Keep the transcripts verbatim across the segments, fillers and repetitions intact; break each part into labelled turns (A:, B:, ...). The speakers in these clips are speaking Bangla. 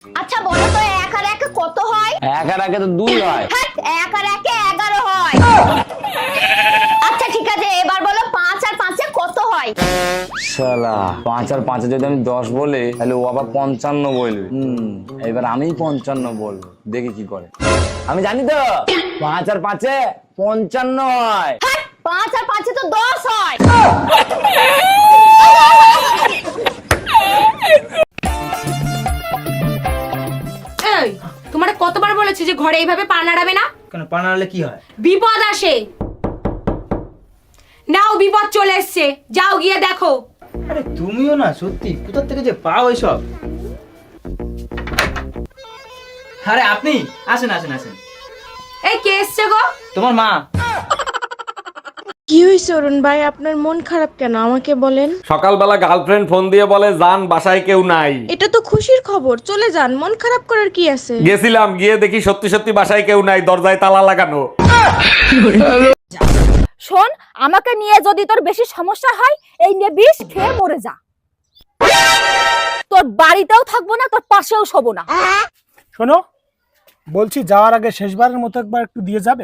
A: আচ্ছা বলো তো এক আর একে কত হয়?
B: এক আর একে তো দুই হয়।
A: হ্যাঁ, এক আর একে এগারো হয়। আচ্ছা ঠিক আছে, এবার বলো পাঁচ আর পাঁচে কত হয়?
B: শালা, পাঁচ আর পাঁচে যদি আমি দশ বলি তাহলে ও আবার পঞ্চান্ন বলবে। হুম, এবার আমি পঞ্চান্ন বলবো, দেখি কি করে। আমি জানি তো পাঁচ আর পাঁচে পঞ্চান্ন হয়।
A: হ্যাঁ, পাঁচ আর পাঁচে তো দশ হয়।
C: এই, তোমারে কতবার বলেছি যে ঘরে এইভাবে পা নাড়াবে না?
D: কেন পা নাড়ালে কি হয়?
C: বিপদ আসে। নাও, বিপদ চলে এসছে, যাও গিয়ে দেখো।
D: আরে তুমিও না, সত্যি কোথা থেকে যে পাও এসব? আরে আপনি আসেন আসেন আসেন।
C: এই কে এসছে গো?
D: তোমার মা।
E: কি হয়েছে অরুণ ভাই, আপনার মন খারাপ কেন আমাকে বলেন?
F: সকালবেলা গার্লফ্রেন্ড ফোন দিয়ে বলে যান বাসায় কেউ নাই।
E: এটা তো খুশির খবর, চলে যান, মন খারাপ করার কি আছে?
F: গেছিলাম, গিয়ে দেখি সত্যি সত্যি বাসায় কেউ নাই, দরজায় তালা লাগানো।
A: শোন, আমাকে নিয়ে যদি তোর বেশি সমস্যা হয় এই নিয়ে বিষ খেয়ে মরে যা। তোর বাড়িতেও থাকবো না, তোর পাশেও শোবো না।
G: শোনো, বলছি যাওয়ার আগে শেষবারের মতো একবার একটু দিয়ে যাবে।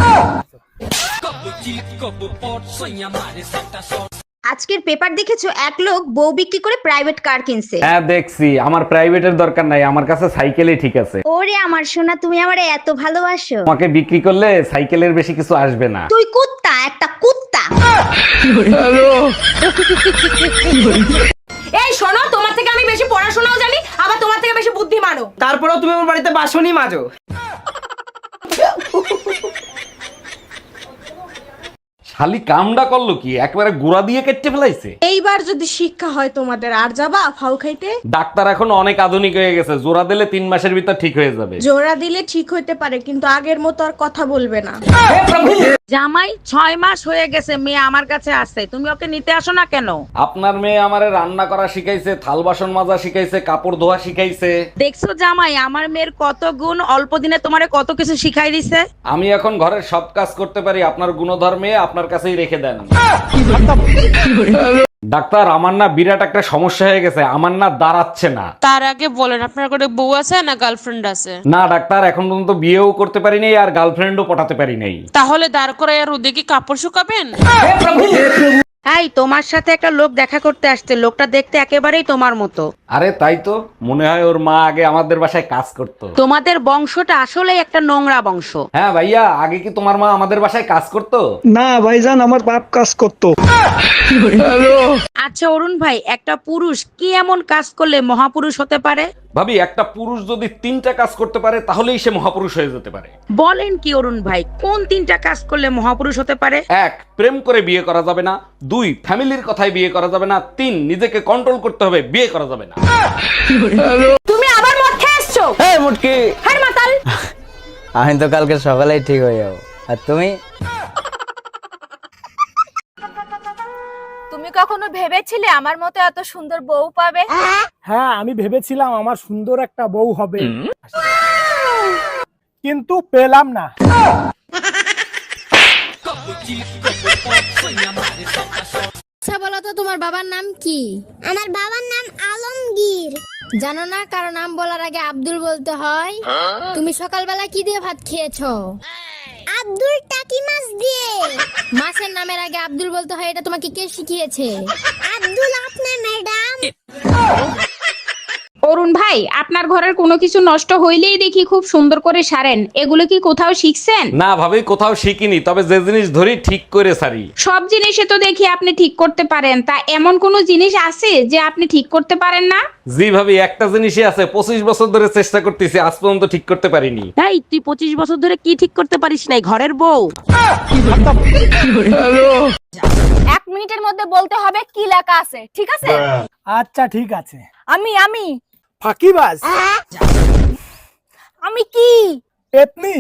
H: আজকের পেপার দেখেছো, এক লোক বউ বিক্রি করে প্রাইভেট কার কিনছে।
F: হ্যাঁ দেখছি, আমার প্রাইভেটের দরকার নাই, আমার কাছে সাইকেলই ঠিক আছে।
H: ওরে আমার সোনা, তুমি আমারে এত ভালোবাসো।
F: আমাকে বিক্রি করলে সাইকেলের বেশি কিছু আসবে না।
H: তুই কুত্তা, একটা কুত্তা।
C: এই শোনো, তোমার থেকে আমি বেশি পড়াশোনাও জানি, আবার তোমার থেকে বেশি বুদ্ধিমানও।
D: তারপরেও তুমি আমার বাড়িতে বাসনই মাজো।
F: শালি কামডা করলো কি, একবারে গুড়া দিয়ে কেটে ফেলাইছে।
E: এইবার যদি শিক্ষা হয় তোমাদের, আর যাবা ফাউ খাইতে?
F: ডাক্তার এখন অনেক আধুনিক হয়ে গেছে, জোড়া দিলে তিন মাসের ভিতর ঠিক হয়ে যাবে।
E: জোড়া দিলে ঠিক হইতে পারে, কিন্তু আগের মতো আর কথা বলবে না।
I: জামাই ছয় মাস হয়ে গেছে, মেয়ে আমার কাছে আছে, তুমি ওকে নিতে আসো না কেন?
F: আপনার মেয়ে আমারে রান্না করা শিখাইছে, থাল বাসন মাজা শিখাইছে, কাপড় ধোয়া শিখাইছে।
I: দেখছো জামাই, আমার মেয়ের কত গুণ, অল্প দিনে তোমারে কত কিছু শিখাই দিছে।
F: আমি এখন ঘরের সব কাজ করতে পারি, আপনার গুণধর্মে আপনার কাছেই রেখে দেন। ডাক্তার, আমার না বিরাট একটা সমস্যা হয়ে গেছে, আমার না দাঁড়াচ্ছে না।
J: তার আগে বলেন আপনার কোনো বউ আছে না গার্লফ্রেন্ড আছে?
F: না ডাক্তার, এখন পর্যন্ত বিয়েও করতে পারি নাই আর গার্লফ্রেন্ডও পটাতে পারি নাই।
J: তাহলে দাঁড় করে আর রোদে কি কাপড় শুকাবেন?
I: এই, তোমার সাথে একটা লোক দেখা করতে আসছে, লোকটা দেখতে একেবারেই তোমার মতো।
F: আরে তাই তো, মনে হয় ওর মা আগে আমাদের বাসায় কাজ করতো।
I: তোমাদের বংশটা আসলে একটা নোংরা বংশ।
F: হ্যাঁ ভাইয়া, আগে কি তোমার মা আমাদের বাসায় কাজ করতো?
G: না ভাইজান, আমার বাপ কাজ করতো।
I: আচ্ছা অরুণ ভাই, একটা পুরুষ কি এমন কাজ করলে মহাপুরুষ হতে পারে?
F: ভাবি, একটা পুরুষ যদি তিনটা কাজ করতে পারে তাহলেই সে মহাপুরুষ হয়ে যেতে পারে।
I: বলেন কি অরুণ ভাই, কোন তিনটা কাজ করলে মহাপুরুষ হতে পারে?
F: এক, প্রেম করে বিয়ে করা যাবে না। দুই, ফ্যামিলির কথায় বিয়ে করা যাবে না। তিন, নিজেকে কন্ট্রোল করতে হবে, বিয়ে করা যাবে না।
A: তুমি আবার মদ খেয়ে এসছো?
B: এই মুটকি,
A: হ্যাঁ মাতাল।
B: আমি তো কালকে সকালেই ঠিক হয়ে যাবো, আর তুমি?
A: তুমি কখনো ভেবেছিলে আমার মতো এত সুন্দর বউ পাবে?
G: হ্যাঁ, আমি ভেবেছিলাম আমার সুন্দর একটা বউ হবে, কিন্তু পেলাম না।
K: আচ্ছা বলো তো, তোমার বাবার নাম কি? আমার বাবার নাম আলমগীর। জানো না কারো নাম বলার আগে আব্দুল বলতে হয়? তুমি সকালবেলা কি দিয়ে ভাত খেয়েছো? আব্দুল টাকি মাছ দিয়ে। মাছের নামের আগে আব্দুল বলতে হয়, এটা তোমাকে কে শিখিয়েছে? আব্দুল আপনার ম্যাডাম।
C: অরুণ ভাই, আপনার ঘরের কোনো কিছু নষ্ট হইলেই দেখি খুব সুন্দর করে সারেন, এগুলো কি কোথাও শিখছেন?
F: না ভাবি, কোথাও শিখিনি, তবে যে জিনিস ধরি ঠিক করে সারি।
C: সব জিনিসে তো দেখি আপনি ঠিক করতে পারেন, তা এমন কোন জিনিস আছে যে আপনি ঠিক করতে পারেন না?
F: জি ভাবি, একটা জিনিসই আছে, পঁচিশ বছর ধরে চেষ্টা করতেছি, আজ পর্যন্ত ঠিক করতে পারিনি।
I: এই, তুই পঁচিশ বছর ধরে কি ঠিক করতে পারিস নাই? ঘরের বউ।
A: এক মিনিটের মধ্যে বলতে হবে কি লেখা আছে, ঠিক আছে?
G: আচ্ছা ঠিক আছে।
A: আমি আমি
G: ফাঁকিবাজ।
A: আমি কি?
G: পেতনি।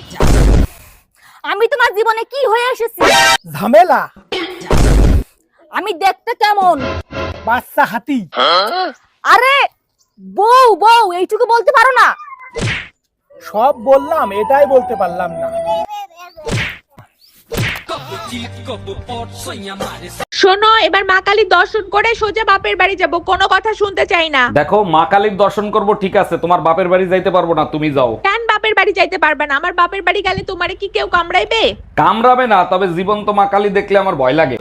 A: আমি তোমার জীবনে কি হয়ে এসেছি?
G: ঝামেলা।
A: আমি দেখতে কেমন?
G: বাচ্চা হাতি।
A: আরে বউ বউ এইটুকু বলতে পারো না?
G: সব বললাম, এটাই বলতে পারলাম না।
C: শোনো, এবার মা কালীর দর্শন করে সোজা বাপের বাড়ি যাব, কোনো কথা শুনতে চাই না।
F: দেখো, মা কালীর দর্শন করব ঠিক আছে, তোমার বাপের বাড়ি যাইতে পারবো না, তুমি যাও।
C: কেন বাপের বাড়ি যাইতে পারবে না? আমার বাপের বাড়ি গেলে তোমারে কি কেউ কামড়াইবে?
F: কামড়াবে না, তবে জীবন্ত মা কালী দেখলে আমার ভয় লাগে।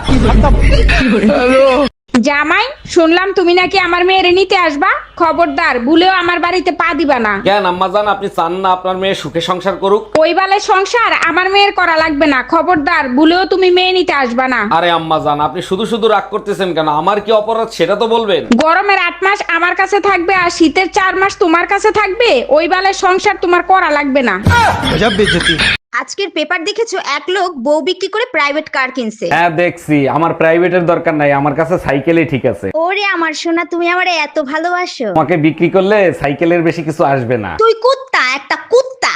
C: জামাই, শুনলাম তুমি নাকি আমার মেয়ের নিতে আসবা, খবরদার ভুলেও আমার বাড়িতে পা দিবা না।
F: কেন আম্মাজান, আপনি চান না আপনার মেয়ে সুখে সংসার করুক?
C: ওই বালে সংসার আমার মেয়ের করা লাগবে না, খবরদার ভুলেও তুমি মেয়ে নিতে আসবা না।
F: আরে আম্মাজান, আপনি শুধু শুধু রাগ করতেছেন কেন? আমার কি অপরাধ সেটা তো বলবেন।
C: গরমের আট মাস আমার কাছে থাকবে আর শীতের চার মাস তোমার কাছে থাকবে, ওই বালে সংসার তোমার করা লাগবে না।
H: আজকের পেপার দেখেছো এক লোক বউ বিক্রি করে প্রাইভেট কার কিনছে।
F: হ্যাঁ দেখছি, আমার প্রাইভেটের দরকার নাই, আমার কাছে সাইকেলই ঠিক আছে।
H: ওরে আমার সোনা, তুমি আমারে এত ভালোবাসো।
F: তোমাকে বিক্রি করলে সাইকেলের বেশি কিছু আসবে না।
H: তুই কুত্তা, একটা কুত্তা।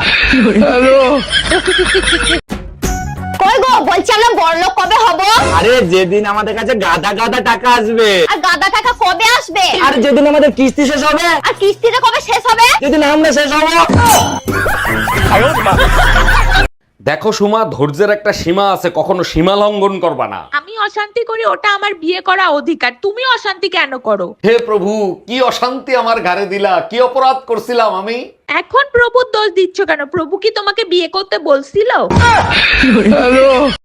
A: কই গো, বলছি আমরা বড়লোক কবে হব?
B: আরে যেদিন আমাদের কাছে গাদা গাদা টাকা আসবে।
A: আর গাদা টাকা কবে আসবে?
B: আর যেদিন আমাদের কিস্তি শেষ হবে।
A: আর কিস্তিটা কবে শেষ হবে?
B: যেদিন আমরা শেষ হবো।
F: দেখো সুমা, ধৈর্যের একটা সীমা আছে, কখনো সীমা লঙ্ঘন করবা না।
C: আমি অশান্তি করি, ওটা আমার বিয়ে করা অধিকার, তুমি অশান্তি কেন করো?
F: হে প্রভু, কি অশান্তি আমার ঘাড়ে দিলা, কি অপরাধ করছিলাম আমি?
C: এখন প্রভুর দোষ দিচ্ছ কেন? প্রভু কি তোমাকে বিয়ে করতে বলছিল?